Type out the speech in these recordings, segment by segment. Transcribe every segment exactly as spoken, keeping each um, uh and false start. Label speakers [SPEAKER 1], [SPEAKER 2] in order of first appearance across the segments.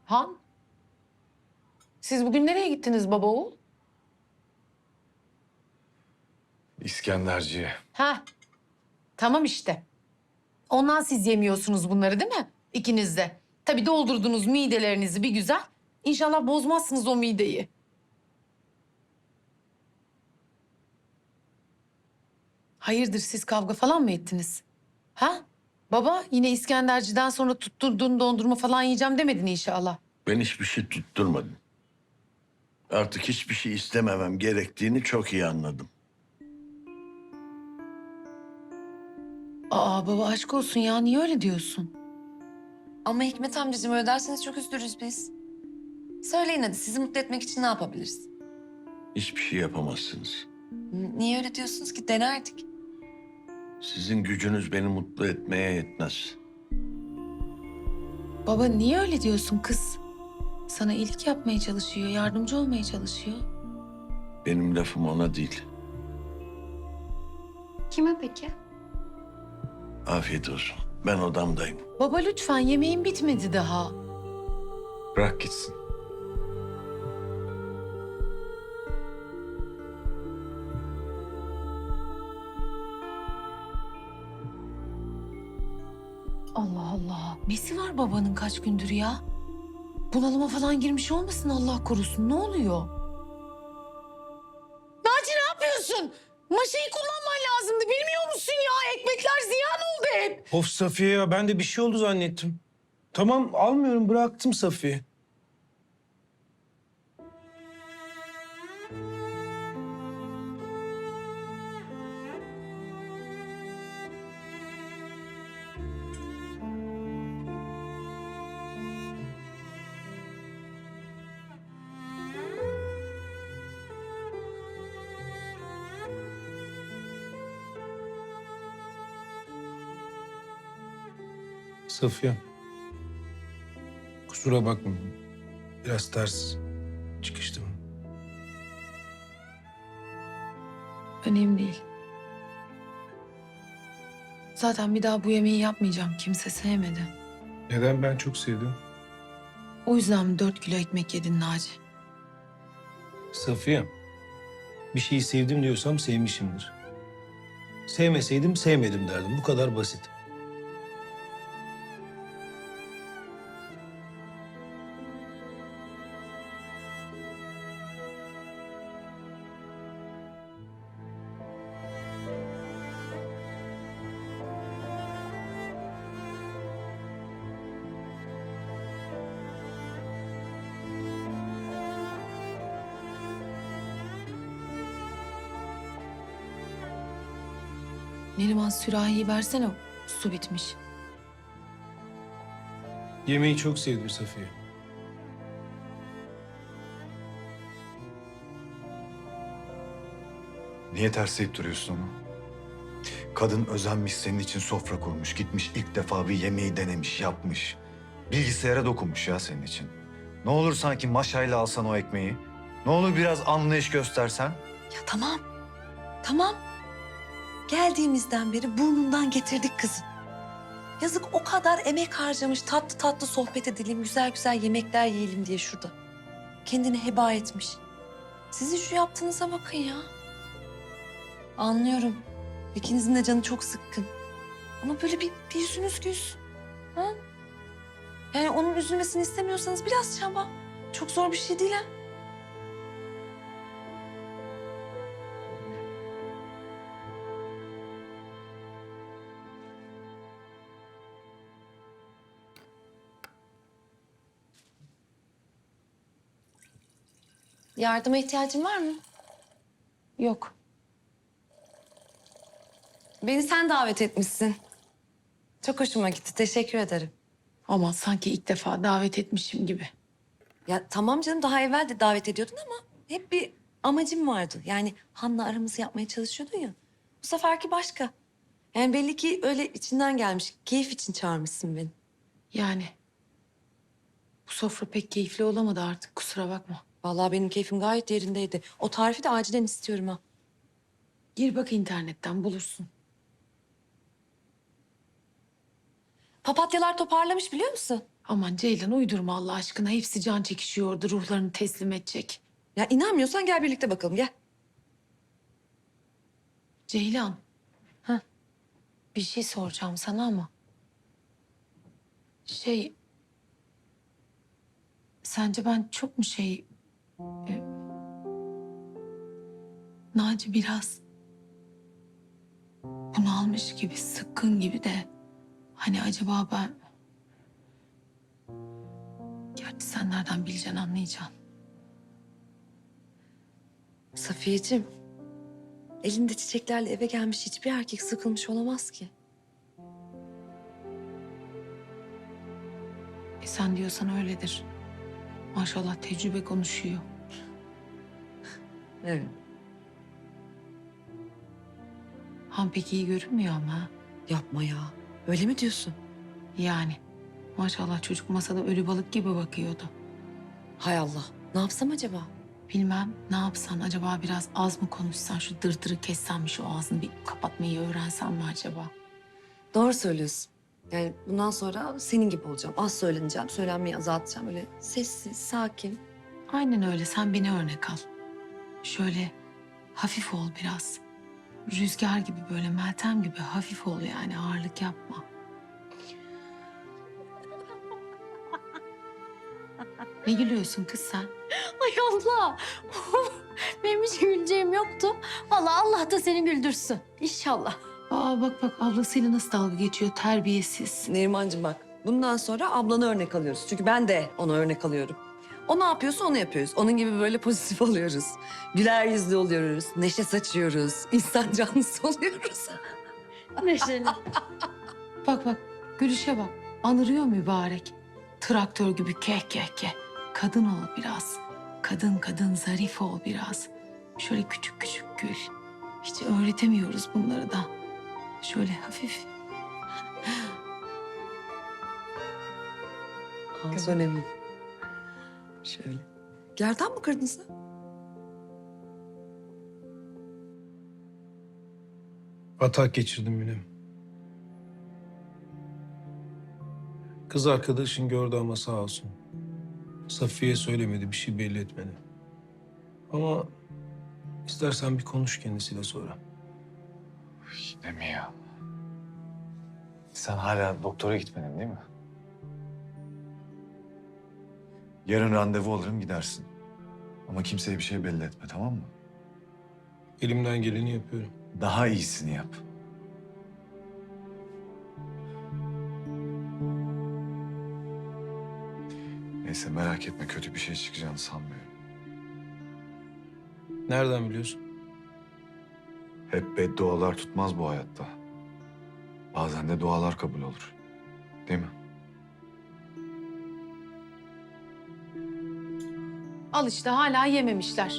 [SPEAKER 1] Han, siz bugün nereye gittiniz baba oğul?
[SPEAKER 2] İskenderciye.
[SPEAKER 1] Ha, tamam işte. Ondan siz yemiyorsunuz bunları değil mi? İkiniz de. Tabii doldurdunuz midelerinizi bir güzel. İnşallah bozmazsınız o mideyi. Hayırdır siz kavga falan mı ettiniz? Ha? Baba yine İskenderci'den sonra tutturduğun dondurma falan yiyeceğim demedin inşallah.
[SPEAKER 3] Ben hiçbir şey tutturmadım. Artık hiçbir şey istememem gerektiğini çok iyi anladım.
[SPEAKER 1] Aa baba aşk olsun ya niye öyle diyorsun?
[SPEAKER 4] Ama Hikmet amcacığım öyle derseniz çok üzülürüz biz. Söyleyin hadi sizi mutlu etmek için ne yapabiliriz?
[SPEAKER 3] Hiçbir şey yapamazsınız.
[SPEAKER 4] N- Niye öyle diyorsunuz ki? Denerdik.
[SPEAKER 3] Sizin gücünüz beni mutlu etmeye yetmez.
[SPEAKER 1] Baba niye öyle diyorsun kız? Sana iyilik yapmaya çalışıyor, yardımcı olmaya çalışıyor.
[SPEAKER 3] Benim lafım ona değil.
[SPEAKER 4] Kime peki?
[SPEAKER 3] Afiyet olsun. Ben odamdayım.
[SPEAKER 1] Baba lütfen yemeğin bitmedi daha.
[SPEAKER 2] Bırak gitsin.
[SPEAKER 1] Allah Allah. Nesi var babanın kaç gündür ya? Bunalıma falan girmiş olmasın Allah korusun. Ne oluyor? Naci ne yapıyorsun? Maşayı kullanman lazımdı. Bilmiyor musun ya? Ekmekler ziyan oldu hep.
[SPEAKER 5] Of Safiye ya ben de bir şey oldu zannettim. Tamam almıyorum bıraktım Safiye. Safiye. Kusura bakma. Biraz ters çıkıştım.
[SPEAKER 1] Önemli değil. Zaten bir daha bu yemeği yapmayacağım. Kimse sevmedi.
[SPEAKER 5] Neden ben çok sevdim?
[SPEAKER 1] O yüzden mi dört kilo ekmek yedin Naci?
[SPEAKER 5] Safiye. Bir şeyi sevdim diyorsam sevmişimdir. Sevmeseydim sevmedim derdim. Bu kadar basit.
[SPEAKER 1] Neriman sürahiyi versene. Su bitmiş.
[SPEAKER 5] Yemeği çok sevdim Safiye.
[SPEAKER 2] Niye tersleyip duruyorsun onu? Kadın özenmiş, senin için sofra kurmuş. Gitmiş ilk defa bir yemeği denemiş, yapmış. Bilgisayara dokunmuş ya senin için. Ne olur sanki maşayla alsan o ekmeği. Ne olur biraz anlayış göstersen.
[SPEAKER 4] Ya tamam. Tamam. Geldiğimizden beri burnundan getirdik kızı. Yazık o kadar emek harcamış. Tatlı tatlı sohbet edelim, güzel güzel yemekler yiyelim diye şurada. Kendini heba etmiş. Sizin şu yaptığınıza bakın ya. Anlıyorum. İkinizin de canı çok sıkkın. Ama böyle bir, bir yüzünüz gülsün. Ha? Yani onun üzülmesini istemiyorsanız biraz çaba. Çok zor bir şey değil ha. Yardıma ihtiyacın var mı?
[SPEAKER 1] Yok.
[SPEAKER 4] Beni sen davet etmişsin. Çok hoşuma gitti. Teşekkür ederim.
[SPEAKER 1] Ama sanki ilk defa davet etmişim gibi.
[SPEAKER 4] Ya tamam canım daha evvel de davet ediyordun ama hep bir amacım vardı. Yani Han'la aramızı yapmaya çalışıyordun ya. Bu seferki başka. Yani belli ki öyle içinden gelmiş. Keyif için çağırmışsın beni.
[SPEAKER 1] Yani. Bu sofra pek keyifli olamadı artık kusura bakma.
[SPEAKER 4] Vallahi benim keyfim gayet yerindeydi. O tarifi de acilen istiyorum ha.
[SPEAKER 1] Gir bak internetten bulursun.
[SPEAKER 4] Papatyalar toparlamış biliyor musun?
[SPEAKER 1] Aman Ceylan uydurma Allah aşkına. Hepsi can çekişiyordu, ruhlarını teslim edecek.
[SPEAKER 4] Ya inanmıyorsan gel birlikte bakalım gel.
[SPEAKER 1] Ceylan. Heh. Bir şey soracağım sana ama. Şey... Sence ben çok mu şey... E, Naci biraz... bunalmış gibi, sıkkın gibi de... Hani acaba ben... Gerçi sen nereden bileceksin, anlayacaksın.
[SPEAKER 4] Safiyeciğim, elinde çiçeklerle eve gelmiş hiçbir erkek sıkılmış olamaz ki.
[SPEAKER 1] E sen diyorsan öyledir. Maşallah tecrübe konuşuyor.
[SPEAKER 4] Evet.
[SPEAKER 1] Han pek iyi görünmüyor ama.
[SPEAKER 4] Yapma ya. Öyle mi diyorsun?
[SPEAKER 1] Yani maşallah çocuk masada ölü balık gibi bakıyordu.
[SPEAKER 4] Hay Allah. Ne yapsam acaba?
[SPEAKER 1] Bilmem ne yapsan acaba biraz az mı konuşsan, şu dırdırı kessen mi, şu ağzını bir kapatmayı öğrensen mi acaba?
[SPEAKER 4] Doğru söylüyorsun. Yani bundan sonra senin gibi olacağım. Az söyleneceğim, söylenmeyi azaltacağım. Öyle sessiz, sakin.
[SPEAKER 1] Aynen öyle, sen beni örnek al. Şöyle hafif ol biraz. Rüzgar gibi, böyle Meltem gibi hafif ol yani, ağırlık yapma. Ne gülüyorsun kız sen?
[SPEAKER 6] Ay Allah! Benim hiç güleceğim yoktu. Vallahi Allah da seni güldürsün. İnşallah.
[SPEAKER 1] Aa bak bak, ablasıyla nasıl dalga geçiyor, terbiyesiz.
[SPEAKER 4] Nerimancığım bak, bundan sonra ablanı örnek alıyoruz. Çünkü ben de ona örnek alıyorum. O ne yapıyorsa onu yapıyoruz. Onun gibi böyle pozitif oluyoruz. Güler yüzlü oluyoruz, neşe saçıyoruz, insan canlısı oluyoruz.
[SPEAKER 6] Neşeli.
[SPEAKER 1] Bak bak, gülüşe bak. Anırıyor mübarek. Traktör gibi keh keh keh. Kadın ol biraz. Kadın kadın zarif ol biraz. Şöyle küçük küçük gül. Hiç öğretemiyoruz bunları da. Şöyle hafif.
[SPEAKER 4] Az önemli. Şöyle. Gerdan mı kırdın sen?
[SPEAKER 5] Atak geçirdim yine. Kız arkadaşın gördü ama sağ olsun. Safiye söylemedi, bir şey belli etmedi. Ama istersen bir konuş kendisiyle sonra.
[SPEAKER 2] Yine mi ya? Sen hala doktora gitmedin değil mi? Yarın randevu alırım gidersin. Ama kimseye bir şey belli etme, tamam mı?
[SPEAKER 5] Elimden geleni yapıyorum.
[SPEAKER 2] Daha iyisini yap. Neyse merak etme, kötü bir şey çıkacağını sanmıyorum.
[SPEAKER 5] Nereden biliyorsun?
[SPEAKER 2] Hep beddualar tutmaz bu hayatta. Bazen de dualar kabul olur. Değil mi?
[SPEAKER 1] Al işte, hala yememişler.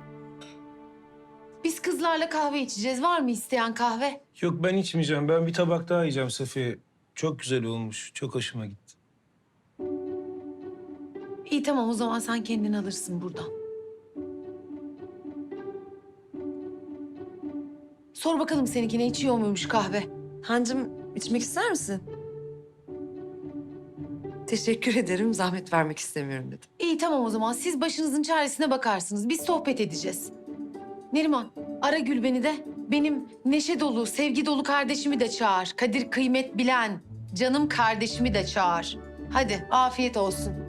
[SPEAKER 1] Biz kızlarla kahve içeceğiz. Var mı isteyen kahve?
[SPEAKER 5] Yok, ben içmeyeceğim. Ben bir tabak daha yiyeceğim Safiye. Çok güzel olmuş. Çok hoşuma gitti.
[SPEAKER 1] İyi tamam, o zaman sen kendin alırsın buradan. Sor bakalım seninkine içiyor muymuş kahve?
[SPEAKER 4] Hancım, içmek ister misin? Teşekkür ederim, zahmet vermek istemiyorum dedim.
[SPEAKER 1] İyi tamam, o zaman siz başınızın çaresine bakarsınız. Biz sohbet edeceğiz. Neriman, ara Gülben'i de, benim neşe dolu, sevgi dolu kardeşimi de çağır. Kadir kıymet bilen, canım kardeşimi de çağır. Hadi afiyet olsun.